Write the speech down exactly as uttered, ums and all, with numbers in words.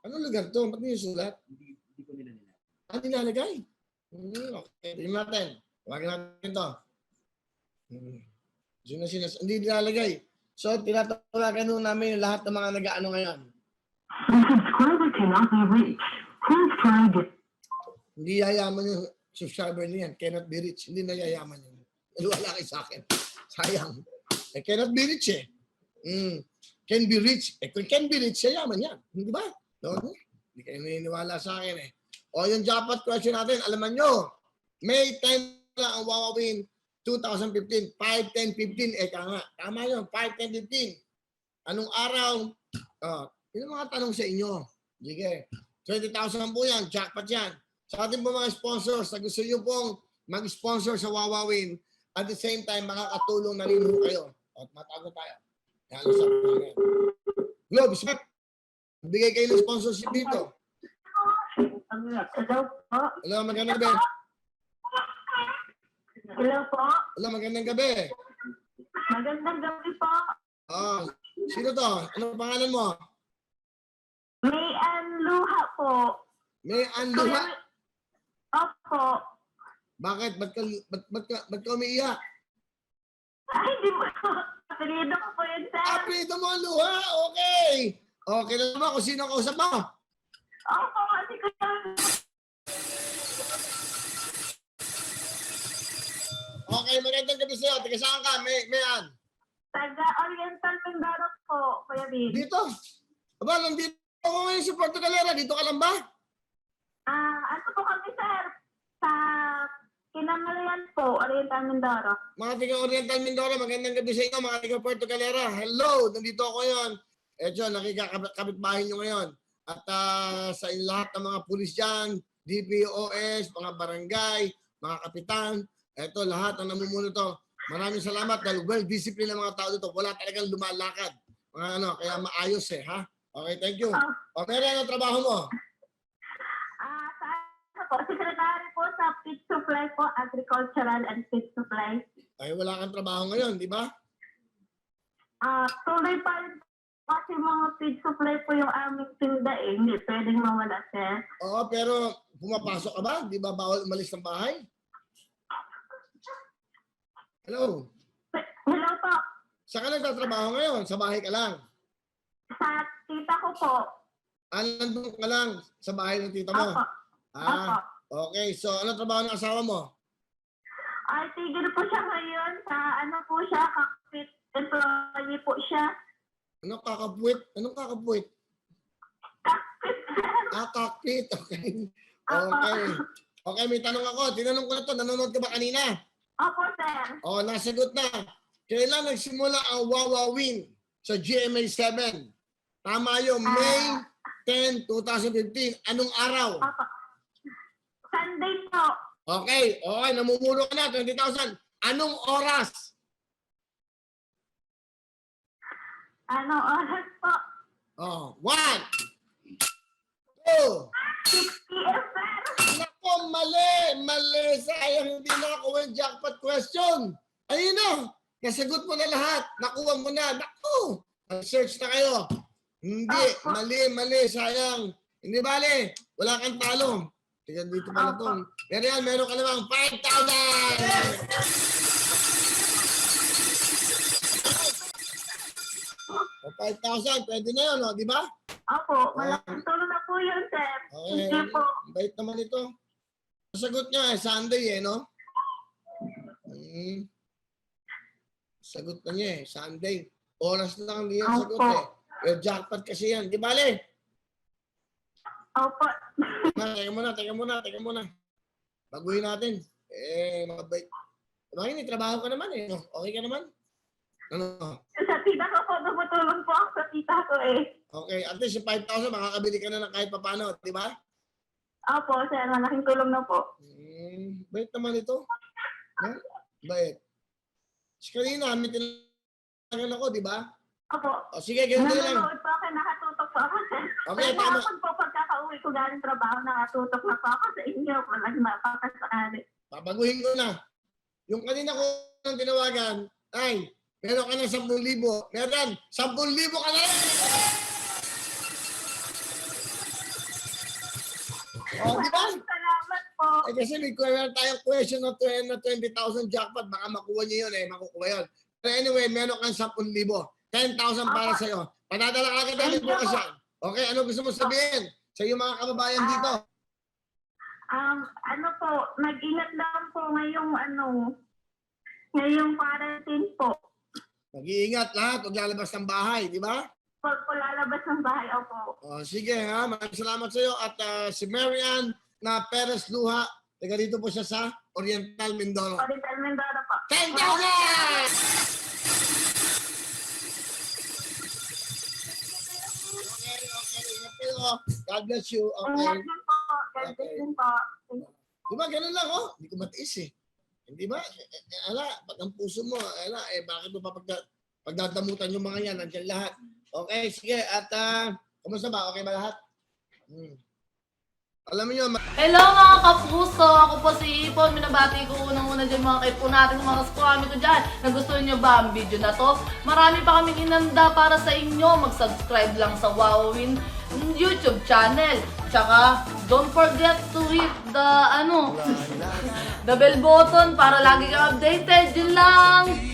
Anong lugar to? Ba't niyo sulat? Hindi, hindi ko nila nila. Ah, nilalagay? Hmm, okay. Tingnan natin. Huwag natin ito. Hmm. Sino, sino, hindi nilalagay. So, tinatawagan nun namin yung lahat ng mga nag-ano ngayon. The subscriber cannot be reached. Please try again. Hindi yayaman yung subscriber niyan. Cannot be reached. Hindi na yayaman yun. Wala kay sa akin. Sayang. Eh, cannot be reached eh. Mm. Can be reached. Eh, kung can be reached, yayaman yan. Hindi ba? No? Hindi kayo naniniwala sa akin eh. O yung jackpot question natin, alaman nyo, May tenth lang ang wawawin twenty fifteen. five, ten, fifteen. Eh, tama. Tama yun. five, ten, fifteen. Anong araw? Oh, yun ang mga tanong sa inyo. Sige. twenty thousand po yan. Jackpot yan. Sa ating po mga sponsors, na gusto nyo pong mag-sponsor sa Wawawin, at the same time, makakatulong na rin po kayo. At matago tayo. Yan, usap namin. Globe, Smith, bigay kayo ng sponsorship dito. Hello po. Hello, magandang gabi. Hello po. Hello, magandang gabi. Magandang gabi po. Oh, sino to? Ano pangalan mo? May Luha po. May Anluha. Opo. Bakit? Ba't ka, ba't, ba't ka, ba't ka umiiyak? Ay, hindi mo. Apelido ko po yun, sir. Apelido mo ang luha. Okay. Okay na naman kung sino ang kausap mo. Opo, kasi ko yung... Okay, magandang gabi sa'yo. Taga saan ka? May, Mayan. Taga Oriental Mindoro po, Kuya Bin. Dito. Aba, nandito ako ngayon sa Puerto Galera. Dito ka lang ba? Ah, ano po kami, sir? Sa Kinamalayan po, Oriental Mindoro. Mga taga Oriental Mindoro, magandang gabi sa inyo. Mga taga Puerto Galera. Hello, nandito ako ngayon. Eto, nakikakapit-bahay nyo ngayon. At uh, sa lahat ng mga pulis dyan, D P O S, mga barangay, mga kapitan, eto, lahat ang namumuno to. Maraming salamat dahil well-disciplined ang mga tao dito. Wala talagang lumalakad. Mga ano, kaya maayos eh, ha? Okay, thank you. O, Mary, ano trabaho mo? Ah, sa ano po, secretary po sa Feed Supply po, Agricultural and Feed Supply. Ay, wala kang trabaho ngayon, di ba? Ah, tuloy pa rin kasi mga feed supply po yung aming tinda eh. Hindi pwedeng mawala, sir. Oo, pero pumapasok ka ba? Di ba bawal umalis ng bahay? Hello? Hello po. Saan ka nagtatrabaho ngayon? Sa bahay ka lang? Sa tita ko po. Ah, nandun ka lang sa bahay ng tita mo? Opo. Ah, okay. So, ano trabaho ng asawa mo? Ay, tigil po siya ngayon sa ano po siya, kakapit employee po siya. Ano kakapwit? Anong kakapwit? Kakapit, sir. Ah, cockpit. Okay. Opo. Okay. Okay, may tanong ako. Tinanong ko na to. Nanonood ka ba kanina? Opo, sir. Oh, nasagot na. Kailan nagsimula ang Wawawin sa G M A seven? Tama yun, May tenth, twenty fifteen. Anong araw? Opo. Sunday po. Okay, okay, namumuno ka na, twenty thousand. Anong oras? Ano oras po? Oh, one, two, six p m, sir. Nako, mali, mali. Sayang hindi nakakuha yung jackpot question. Ayun na, nasagot mo na lahat. Nakuha mo na. Naku, search na kayo. Hindi, mali, mali, sayang. Hindi bali, wala kang talo. Tingnan dito pala ito. Pero yan, meron ka namang five thousand! five thousand, pwede na yun, no? Di ba? Opo, malaking tulong na po yun, sir. Okay. Sige po. Bait naman ito. Sagot niya eh, Sunday eh, no? Hmm. Sagot na niya eh, Sunday. Oras lang hindi yan sagot eh. Pero jackpot kasi yan. Di bale? Opo. Ma, teka muna, teka muna, teka muna. Baguhin natin. Eh, mabait. Bakit may trabaho ka naman eh. No? Okay ka naman? Ano? Sa tita ko po, tumutulong po ako sa tita ko eh. Okay, at least yung five thousand, makakabili ka na ng kahit papano, di ba? Opo, sir. Malaking tulong na po. Hmm, bait naman ito. No? Bait. Si kanina, may tinagal ako, di ba? Opo. O sige, ganito lang. Nanonood po ako, nakatutok po ako, sir. Okay, Pero tama. hapon po, pagkaka-uwi ko galing trabaho, nakatutok na po ako sa inyo. Walang mapapasakali. Babaguhin ko na. Yung kanina ko ang tinawagan, ay, meron ka ng sampung libo. Meron, sampung libo ka na rin! Oh, di ba? Maraming salamat po. Eh, kasi may meron tayong question na twenty thousand jackpot. Baka makuha niyo yun eh. Makukuha yun. Pero anyway, meron kang ten thousand. ten thousand para Opo. sa'yo. Padadala ka agad namin Thank you bukas po. yan. Okay, ano gusto mo sabihin sa iyong mga kababayan dito? Um, ano po, mag-ingat lang po ngayong ano, ngayong quarantine po. Mag-iingat lahat. Huwag lalabas ng bahay, di ba? Pag po lalabas ng bahay, opo. Oh, sige ha. Maraming salamat sa iyo. At ah, si Marian na Perez Luha. Taga dito po siya sa Oriental Mindoro. Oriental Mindoro po. ten thousand! Okay, okay. Ingat kayo. God bless you. Ingat Okay. din po. God bless Okay. din po. Di ba, ganun lang, oh. Hindi ko matiis eh. Hindi ba? Eh, eh, ala, pag ang puso mo, ala, eh, bakit mo pa pagda, pagdadamutan yung mga yan? Nandiyan lahat. Okay, sige. At, ah, kumusta ba? Okay ba lahat? Hmm. Alam mo yun, ma- Hello mga kapuso! Ako po si Ipon. Minabati ko unang-una dyan mga kaipo natin, mga squammy ko dyan. Nagustuhan nyo ba ang video na to? Marami pa kaming inanda para sa inyo. Mag-subscribe lang sa Wowin YouTube channel. Tsaka, don't forget to hit the, ano, the bell button para lagi ka updated. Yun lang!